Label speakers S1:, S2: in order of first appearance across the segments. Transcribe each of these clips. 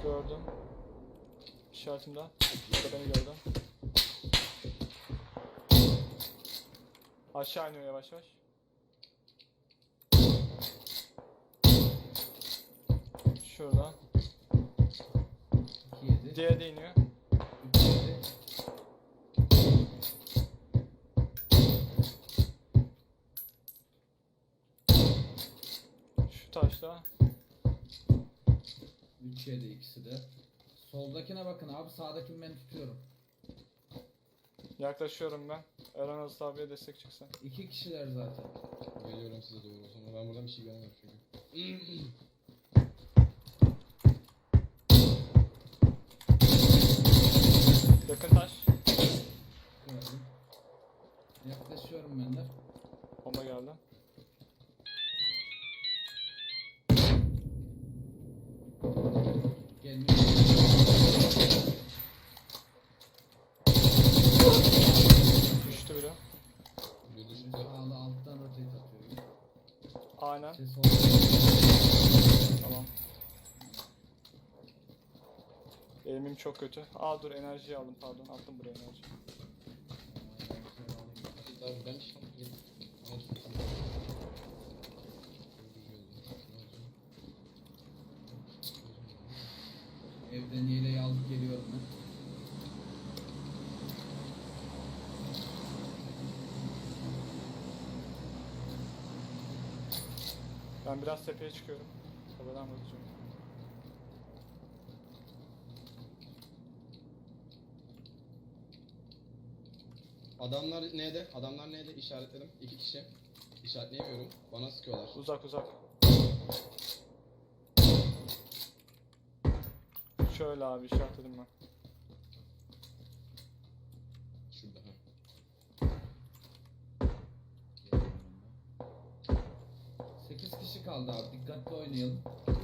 S1: Gördüm. İşaretimden. Burada beni gördü. Aşağı iniyor yavaş yavaş. Şurada.
S2: 2-7.
S1: Diğeri de iniyor.
S2: 3-7.
S1: Şu taşta.
S2: 3-7 ikisi de. Soldakine bakın abi, sağdakini ben tutuyorum.
S1: Yaklaşıyorum ben. Eren Aziz abiye destek çıksın.
S2: 2 kişiler zaten.
S3: Geliyorum size doğru o zaman. Ben buradan bir şey göremiyorum çünkü.
S1: Yakın taş.
S2: Gördüm. Yaklaşıyorum ben de.
S1: Bomba geldi.
S2: Gelmiyor.
S1: Düştü biri.
S3: Bir düştü.
S2: Sağda alttan rotate atıyorum.
S1: Aynen.
S2: Ses oldu.
S1: Tamam. Eğimim çok kötü. Aa dur enerjiyi aldım pardon. Attım buraya enerji.
S3: Abi ben şu an gidip ama tuttum.
S2: Evden yeleği alıp geliyorum ben.
S1: Ben biraz tepeye çıkıyorum. Tepeden bakacağım.
S3: Adamlar neydi? Adamlar neydi? İşaretledim. 2 kişi. İşaretleyemiyorum. Bana sıkıyorlar.
S1: Uzak uzak. Şöyle abi işaretledim ben.
S3: Şurada ha.
S2: 8 kişi kaldı abi. Dikkatli oynayalım.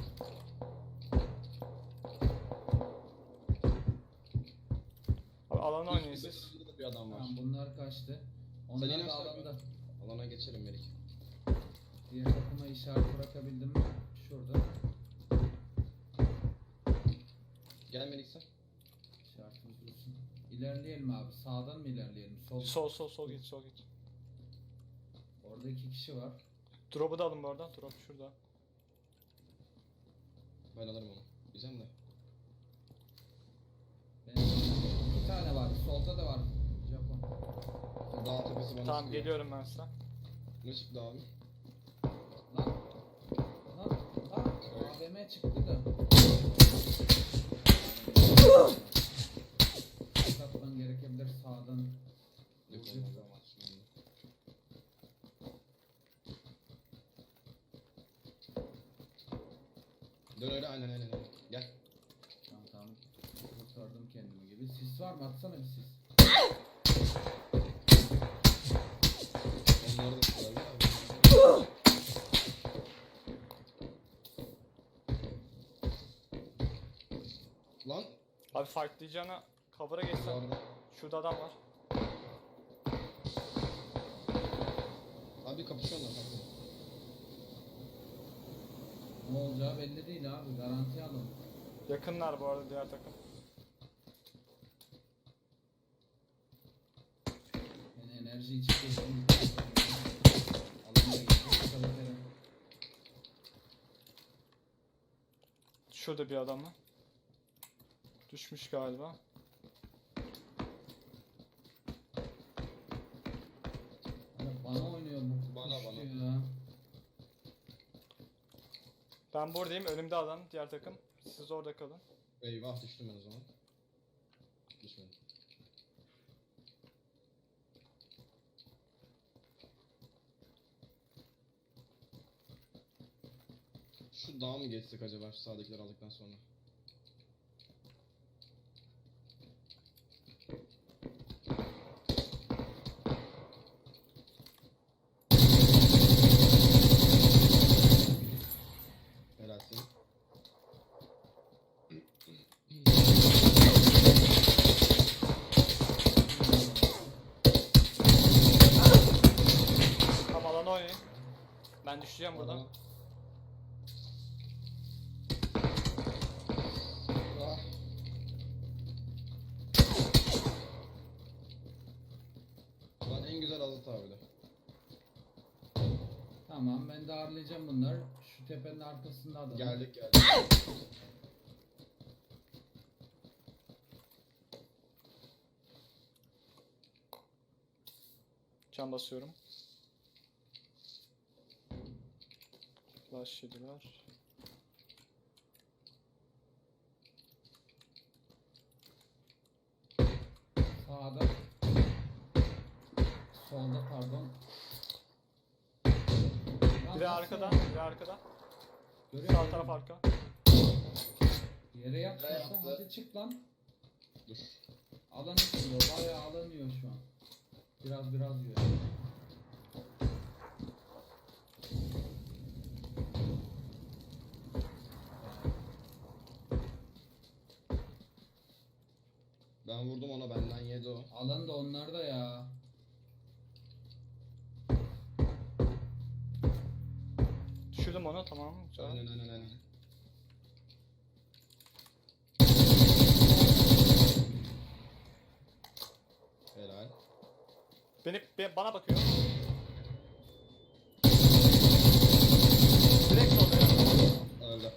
S1: Abi alana oynayın siz.
S3: Şurada da bir adam var.
S2: Tamam, bunlar kaçtı.
S3: Sen
S2: Onlar
S3: yine
S2: da
S3: söyle.
S2: alanda.
S3: Alana geçelim Melik.
S2: Diğer takıma işaret bırakabildim mi? Şurada.
S3: Gel Melik sen.
S2: İşaretimiz dursun. İlerleyelim abi. Sağdan mı ilerleyelim?
S1: Sol git sol git.
S2: Orada 2 kişi var.
S1: Drop'u da alın bu arada. Drop şurada.
S3: Ben alırım onu. Güzel de.
S2: Benim 2 tane var. Solda da var. Japon.
S3: Dağ tepesi bana
S1: Tamam
S3: sıkıyor.
S1: geliyorum ben size.
S3: Ne çıktı abi?
S2: Lan. Lan. Lan. AVM çıktı da. Satman gerekebilir sağdan.
S3: Yok
S2: Vuracak.
S3: olmaz ama şimdi. Dön öyle aynen. Gel.
S2: Tamam tamam. Kurtardım kendimi gibi. Sis var mı? Atsana bir sis.
S3: Onları da sıkıyorlar abi. Lan.
S1: Abi fightlayacağına cover'a geçsen.
S3: Orada.
S1: Şurada adam var.
S3: Abi kapışıyorlar.
S2: Ne olacağı belli değil abi. Garanti alın.
S1: Yakınlar bu arada diğer takım.
S2: Yani enerji içip geçtim. Alana geçtik. Çalışırım.
S1: Şurada bir adam var. Düşmüş galiba.
S2: Bana oynuyor bu.
S3: Bana.
S2: Ya.
S1: Ben buradayım. Önümde adam. Diğer takım. Siz orada kalın.
S3: Eyvah düştüm ben o zaman. Düşmedim. Şu dağa mı geçsek acaba şu sağdakileri aldıktan sonra? Helalsin.
S1: Tam alana oynayın. Ben düşeceğim buradan.
S3: Adama-
S2: Tamam ben darlayacağım bunları. Şu tepenin arkasında adam.
S3: Geldik geldik.
S1: Can basıyorum. Flash yediler.
S2: Sağda. Solda pardon. Lan
S1: Biri
S2: nasıl
S1: arkada,
S2: ya?
S1: biri arkada.
S2: Görüyor
S1: Sağ
S2: musun?
S1: taraf arka.
S2: Yere yat
S3: Yere
S2: sen,
S3: yattı.
S2: hadi çık lan.
S3: Dur.
S2: Alan yiyor, bayağı alan yiyor şu an. Biraz yiyor.
S3: Ben vurdum ona, benden yedi o.
S2: Alan da onlarda ya.
S1: Düşürdüm onu, tamam. Güzel.
S3: Aynen. Helal.
S1: Bana bakıyor. Direkt solda ya.
S3: Öldü.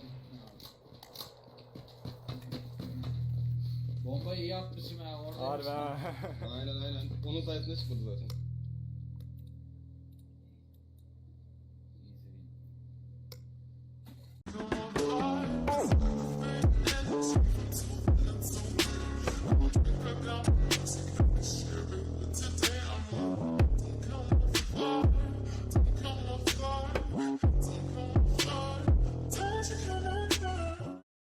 S2: Bombayı iyi atmışım ya orada.
S1: Harbi ha.
S3: Aynen. Onun sayesinde çıkmadı zaten.